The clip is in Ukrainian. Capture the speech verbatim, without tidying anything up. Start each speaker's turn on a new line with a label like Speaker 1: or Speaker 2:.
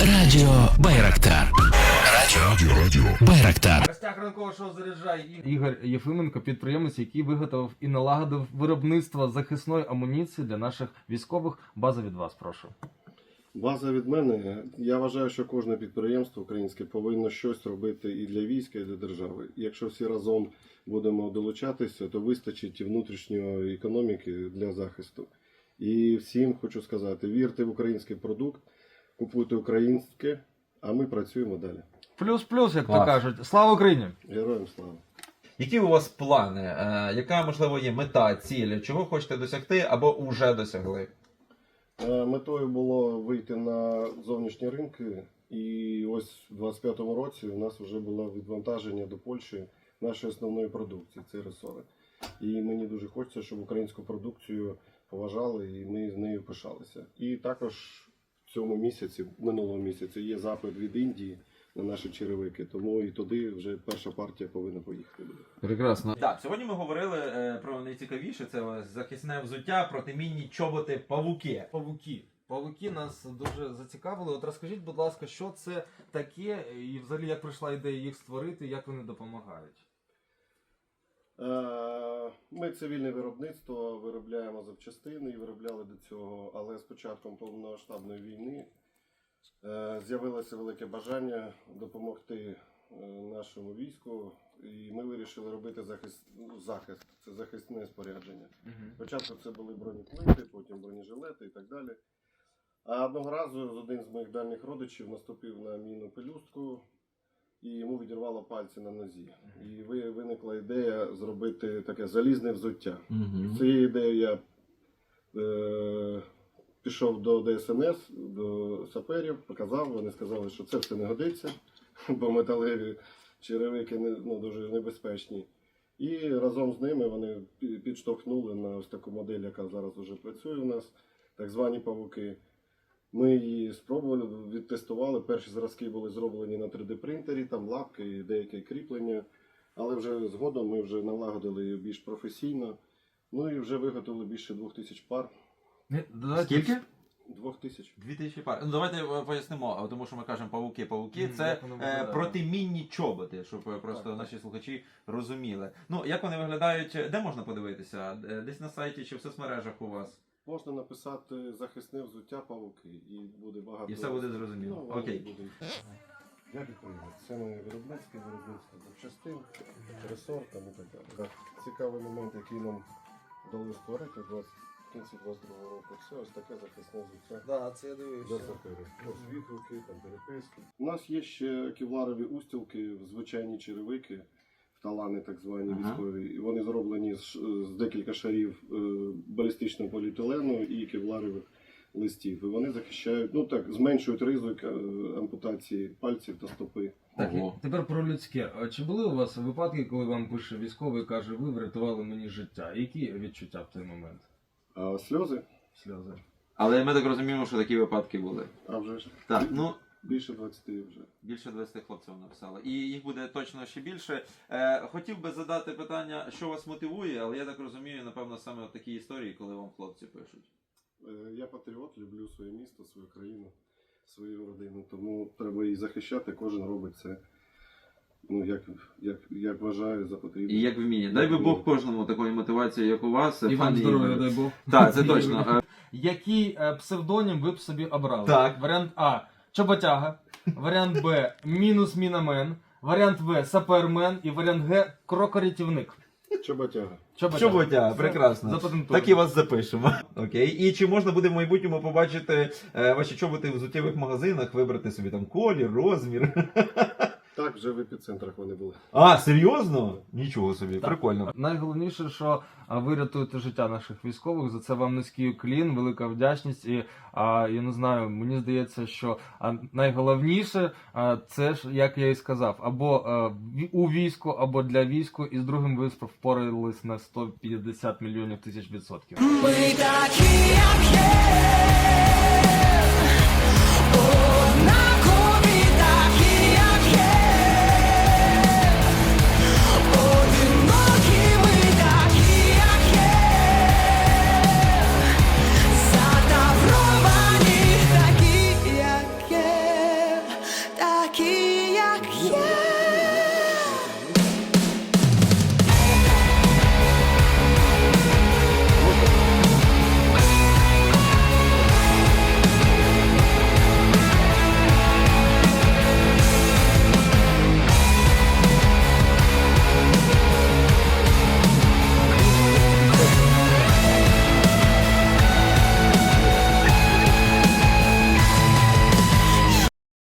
Speaker 1: Радіо Байрактар. Радіо, радіо, радіо Байрактар.
Speaker 2: Гостях ранкового шоу «Заряджай» Ігор Єфименко, підприємець, який виготовив і налагодив виробництво захисної амуніції для наших військових. База від вас, прошу.
Speaker 3: База від мене. Я вважаю, що кожне підприємство українське повинно щось робити і для війська, і для держави. Якщо всі разом будемо долучатися, то вистачить і внутрішньої економіки для захисту. І всім хочу сказати, вірте в український продукт, купуйте українське, а ми працюємо далі.
Speaker 2: Плюс-плюс, як
Speaker 4: Клас.
Speaker 2: то кажуть. Слава Україні!
Speaker 3: Героям слава!
Speaker 4: Які у вас плани? Е, яка, можливо, є мета, ціль? Чого хочете досягти або вже досягли?
Speaker 3: Е, Метою було вийти на зовнішні ринки, і ось у двадцять п'ятому році у нас вже було відвантаження до Польщі нашої основної продукції, це ресори. І мені дуже хочеться, щоб українську продукцію поважали і ми з нею пишалися. І також в цьому місяці, минулого місяця, є запит від Індії на наші черевики, тому і туди вже перша партія повинна поїхати.
Speaker 2: Прекрасно.
Speaker 4: Так, сьогодні ми говорили е, про найцікавіше, це ось захисне взуття, протимінні чоботи, павуки.
Speaker 2: Павуки. Павуки нас дуже зацікавили. От розкажіть, будь ласка, що це таке і взагалі як прийшла ідея їх створити, як вони допомагають?
Speaker 3: Е, Ми цивільне виробництво, виробляємо запчастини і виробляли до цього, але з початком повномасштабної війни е, з'явилося велике бажання допомогти е, нашому війську, і ми вирішили робити захист, ну, захист, це захисне спорядження.
Speaker 2: Угу.
Speaker 3: Спочатку це були бронеплити, потім бронежилети і так далі. А одного разу один з моїх дальніх родичів наступив на мінну пелюстку, і йому відірвало пальці на нозі. І ви- виникла ідея зробити таке залізне взуття. З цією ідеєю я е, пішов до Д С Н С, до саперів, показав, вони сказали, що це все не годиться, бо металеві черевики не, ну, дуже небезпечні. І разом з ними вони пі- підштовхнули на ось таку модель, яка зараз вже працює у нас, так звані павуки. Ми її спробували, відтестували. Перші зразки були зроблені на три Д принтері, там лапки і деяке кріплення. Але вже згодом ми вже налагодили її більш професійно. Ну і вже виготовили більше двох тисяч пар.
Speaker 4: Скільки?
Speaker 3: Двох тисяч.
Speaker 4: Дві тисячі пар. Ну, давайте е, пояснимо, тому що ми кажемо павуки, павуки.
Speaker 2: Мгм,
Speaker 4: Це
Speaker 2: як воно
Speaker 4: е,
Speaker 2: виглядає?
Speaker 4: протимінні чоботи, щоб е, просто
Speaker 2: Так,
Speaker 4: наші слухачі розуміли. Ну, як вони виглядають, де можна подивитися? Е, Десь на сайті чи в соцмережах у вас?
Speaker 3: Можна написати захисне взуття павуки і буде багато.
Speaker 4: І все буде зрозуміло.
Speaker 3: Ну, вони
Speaker 4: Окей.
Speaker 3: будуть. Я відповідаю. Це моє виробництво, виробництво запчастин, ресор там і так далі. Так. Цікавий момент, який нам вдалося створити в двадцять в кінці двадцять другого року. Це ось таке захисне взуття.
Speaker 2: Да, це я
Speaker 3: Для
Speaker 2: дивився.
Speaker 3: саперів. Ось відгуки, там переписки. У нас є ще кевларові устілки, звичайні черевики, талани так звані
Speaker 4: Ага.
Speaker 3: військові. І вони зроблені з, ш- з декілька шарів е, балістичного поліетилену і кевларових листів. І вони захищають, ну так, зменшують ризик е, ампутації пальців та стопи.
Speaker 2: Так, і
Speaker 4: Ого.
Speaker 2: тепер про людське. А чи були у вас випадки, коли вам пише військовий і каже, ви врятували мені життя? Які відчуття в той момент?
Speaker 3: А сльози?
Speaker 2: Сльози.
Speaker 4: Але ми так розуміємо, що такі випадки були.
Speaker 3: А вже ж.
Speaker 4: Так, ну.
Speaker 3: Більше двадцяти вже.
Speaker 4: Більше двадцяти хлопців написали. І їх буде точно ще більше. Е, хотів би задати питання, що вас мотивує, але я так розумію, напевно, саме от такі історії, коли вам хлопці пишуть.
Speaker 3: Е, Я патріот, люблю своє місто, свою країну, свою родину, тому треба її захищати, кожен робить це, ну, як, як, як вважає за потрібне.
Speaker 4: І як вміє. Дай би Бог кожному такої мотивації, як у вас.
Speaker 2: І вам
Speaker 4: Пане
Speaker 2: здоров'я,
Speaker 4: Ігоре.
Speaker 2: дай Бог.
Speaker 4: Так, це точно. Е,
Speaker 2: Який е, псевдонім ви б собі обрали?
Speaker 4: Так.
Speaker 2: Варіант А. Чоботяга. Варіант Б. Мінус мінамен. Варіант В. Сапермен. І варіант Г. Крокорятівник.
Speaker 3: Чоботяга.
Speaker 4: Чоботя, прекрасно.
Speaker 2: Запатентовано.
Speaker 4: Так і вас запишемо. Окей. І чи можна буде в майбутньому побачити е, ваші чоботи в взуттєвих магазинах, вибрати собі там колір, розмір?
Speaker 3: Так, вже в епіцентрах вони були.
Speaker 4: А, серйозно? Нічого собі, прикольно.
Speaker 2: Найголовніше, що а, ви рятуєте життя наших військових. За це вам низький уклін, велика вдячність. І а, я не знаю, мені здається, що а, найголовніше а, це ж, як я і сказав, або а, ві- у війську, або для війську. І з другим ви впорались на сто п'ятдесят мільйонів тисяч відсотків.
Speaker 5: Ми такі, як є, однакові такі, як є, одинокі ми такі, як є, затавровані такі, як є. yeah.